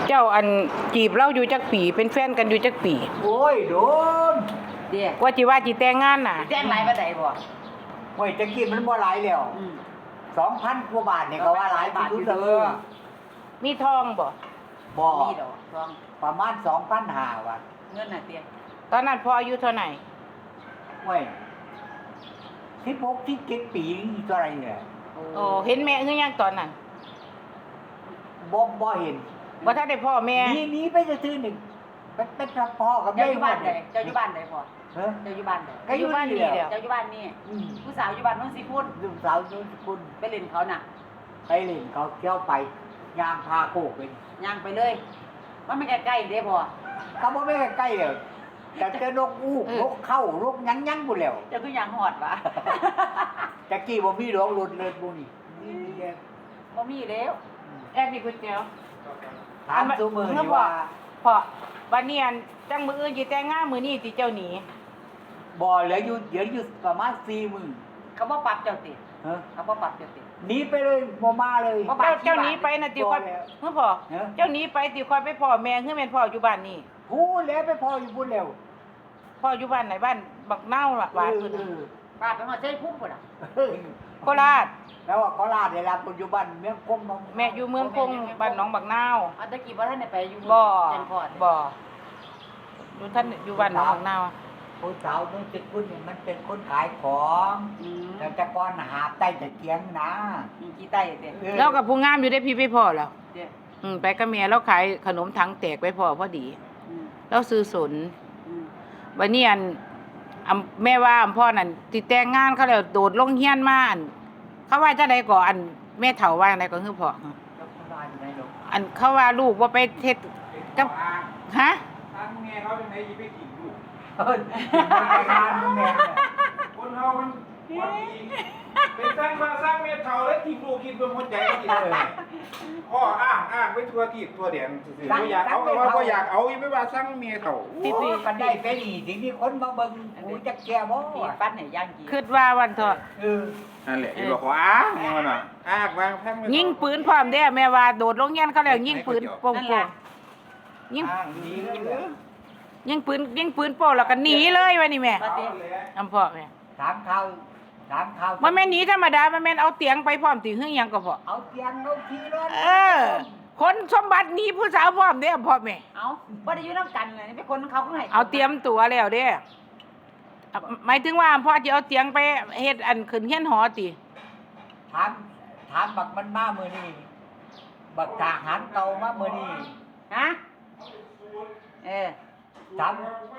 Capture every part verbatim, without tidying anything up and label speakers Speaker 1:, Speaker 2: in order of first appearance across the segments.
Speaker 1: เจ้าอันจีบเราอยู่จักปีเป็นแฟนกันอยู่จักปี
Speaker 2: โอ้ยโดน
Speaker 3: เดี๋ยว
Speaker 1: กว่าจิว่าจิแต่งงานน่ะ
Speaker 3: แจ้งหลายบ่ได้บ่
Speaker 2: โอ้ยตะกี้มันบ่หลายแล้ว
Speaker 3: อืม
Speaker 2: สองพันกว่าบาทเนี่ยก็ว่าหลายบาทอยู่เด้อ
Speaker 1: มีทองบ่
Speaker 2: บ่
Speaker 3: มีดอกทอง
Speaker 2: ประมาณสองพันห้าว่ะ
Speaker 3: เงินน่ะเตี้ย
Speaker 1: ตอนนั้นพ่ออายุเท่าไหร่
Speaker 2: โอ้ยที่พกที่เจ็ดปีนี่เท่าไหรเนี่ย
Speaker 1: โอ้เห็นแม่คือยังตอนนั้น
Speaker 2: บ่บ่เห็น
Speaker 1: บ่ทันได้พ่อแม่
Speaker 2: หนีหนีไปจะซื้อหนึ่งเป็นเป็นพ่อกับ
Speaker 3: เจ้า
Speaker 2: แม่
Speaker 3: อยู่บ้านใดเจ้าอยู่บ้านใดพ่อ
Speaker 2: เฮ้ย
Speaker 3: เจ้าอยู่บ้านใด
Speaker 2: ก็อยู่บ้านนี่แหละ
Speaker 3: เจ้าอยู่บ้านนี่
Speaker 2: อืม
Speaker 3: ผู้สาวอยู่บ้านโน้นสิพุ่น
Speaker 2: ลูกสาวนุ่นคุณ
Speaker 3: ไปเล่นเขาน่ะ
Speaker 2: ไปเล่นเขาเที่ยวไปยางพาโคกไป
Speaker 3: ย่างไปเลยมันไม่ใกล้ๆเด้พ่อ
Speaker 2: เขาบอกไม่ใกล้ๆเลยแต่เจอนกอู้นกเข้านกยั้งยั้งบุแล้ว
Speaker 3: เจ้าคือย่างหอดวะ
Speaker 2: ตะกี้บ่มีดอกหลุดเลยบุนี่นี่มีแค่
Speaker 3: บ่มีแล้ว
Speaker 1: แอบมีก๋วยเตี๋ยว
Speaker 2: ถามซุมือนี่ว่า
Speaker 1: พ่อวันนี้อันจังมื้ออื่นสิแต่งงานมื้อนี้สิเจ้าหนี
Speaker 2: บ่เหลืออยู่เหลืออยู่ประมาณสี่หมื่น
Speaker 3: เขาบ่ปรับเจ้าติ
Speaker 2: ฮะ
Speaker 3: เขาบ่ปรับเจ้าติ
Speaker 2: หนีไปเลยบ่มาเลย
Speaker 3: บ่
Speaker 1: เจ้าเจ้าหนีไปน่ะติค่อย
Speaker 2: บ่แล้ว
Speaker 1: เฮ้อพ่อ
Speaker 2: เอ้อ
Speaker 1: เจ้าหนีไปติค่อยไปพ่อแม่คือแม่นพ่ออยู่บ้านนี่
Speaker 2: พูดแล้วไปพออยู่พูดแล้ว
Speaker 1: พ่ออยู่บ้านไหนบ้านบักเน่าล่ะบ้านเพิ่น
Speaker 2: เออ
Speaker 3: ปรับไปหอดใช้พุ่มพุ่นน่ะ
Speaker 2: เออ
Speaker 1: โคราช
Speaker 2: แล้วว่าโคราชได้รับปัจจุบันเมืองคงน้อง
Speaker 1: แม่อยู่เมืองคงบ้านหนองบักนาว
Speaker 3: อันตะกี้บ่ทันได้ไปอยู่
Speaker 1: บ่
Speaker 3: แจ้งพอด
Speaker 1: บ่อยู่ท่านอยู่บ้านหนองบักนาว
Speaker 2: ผู้สาวนู้นจะคุณเนี่ยมันเป็นคนขายของ
Speaker 3: อืม
Speaker 2: แต่แต่ก่อนหาบใต้ตะเกียงนะ
Speaker 3: มีกี่ใต้เด้
Speaker 2: ออ
Speaker 1: แล้วกับผู้งามอยู่ได้พี่ไปพ่อแล้ว
Speaker 3: เด้
Speaker 1: อืมไปกับเมียแล้วขายขนมถังแตกไปพ่อพอดี
Speaker 3: อืม
Speaker 1: แล้วซื้อสน
Speaker 3: อืม
Speaker 1: วันนี้อันอำแม่ว่าอำพ่อนั่นติแต่งงานเขาแล้วโดดลงเฮียนมาอันเขาว่าจะได้ก่ออันแม่เฒ่าว่าจังไดก็คือพ่อ
Speaker 2: แล้วโคราชอยู่ไหนลูก
Speaker 1: อันเขาว่าลูกว่าไปเฮ็ดกับฮะ
Speaker 4: ทางแม่เขาเป็นไงยีไปกินลูก
Speaker 2: เออมันไปงานมันแม่เนี่ย
Speaker 4: คนเฮามันความดีเป็นสร้างมาสร้างเมตเท่าแล้วทิ้งลูกกินเป็นคนใจกินเลยพ่ออ้างอ้างไว้ทั่วที่ทั่วแดนซื่อๆบ่อยากเอาก็ว่าบ่อยากเอาอีไม่ว่าสร้างเมียเท่า
Speaker 2: โอ้กันได้เป็นอีสิ่งที่คนมาเบิ่งหูจักแก่บ่
Speaker 3: มีฟันให้ย่างกี่
Speaker 1: คิดว่าวันเถอะ
Speaker 2: เออ
Speaker 4: นั่นแหละอยู่บอกว่าอ้างมันน่ะอ้างวางแพง
Speaker 1: ยิงปืนพร้อมเด้แม่ว่าโดดลงเฮียนเขาแล้วยิงปืนโป่งๆยิง
Speaker 2: อ้างดีเลยเหรอ
Speaker 1: ยิงปืนยิงปืนโป่งแล้วก็หนีเลยว่านี่แม่
Speaker 3: ปฏิ
Speaker 1: อำพ่อแม่
Speaker 2: ถามข่าวถามข่าว
Speaker 1: มันแม่นหนีธรรมดามันแม่นเอาเตียงไปพร้อมติหึงหยังก็พอ
Speaker 2: เอาเตียงเอาทีรถ
Speaker 1: เออ คนสมบัติหนีผู้สาวพร้อมเด้อพ่อแม่
Speaker 3: เอาบ่ได้อยู่นำกันเลยเป็นคนเขาก็ให้
Speaker 1: เอาเตรียมตัวแล้วเด้อ่ะหมายถึงว่าพ่อจะเอาเตียงไปเฮ็ดอันขึ้นเฮียนหอติ
Speaker 2: ถามถามบักมันมามื้อนี้บักทหารเก่ามามื้อนี้
Speaker 3: ฮะเออ
Speaker 2: ถาม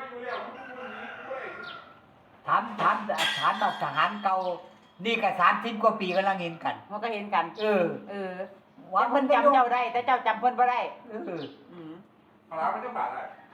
Speaker 2: ถามถามถามบักทหารเก่านี่ก็สามสิบกว่าปีกำลังเห็นกัน
Speaker 3: มันก็เห็นกัน
Speaker 2: เออ
Speaker 3: เออ
Speaker 2: ว่า
Speaker 3: แต่เพิ่นจำเจ้าได้ แต่เจ้าจำเพิ่นบ่ได้
Speaker 2: เออ
Speaker 3: อืม
Speaker 4: เอาละมันจะบาดอ่ะ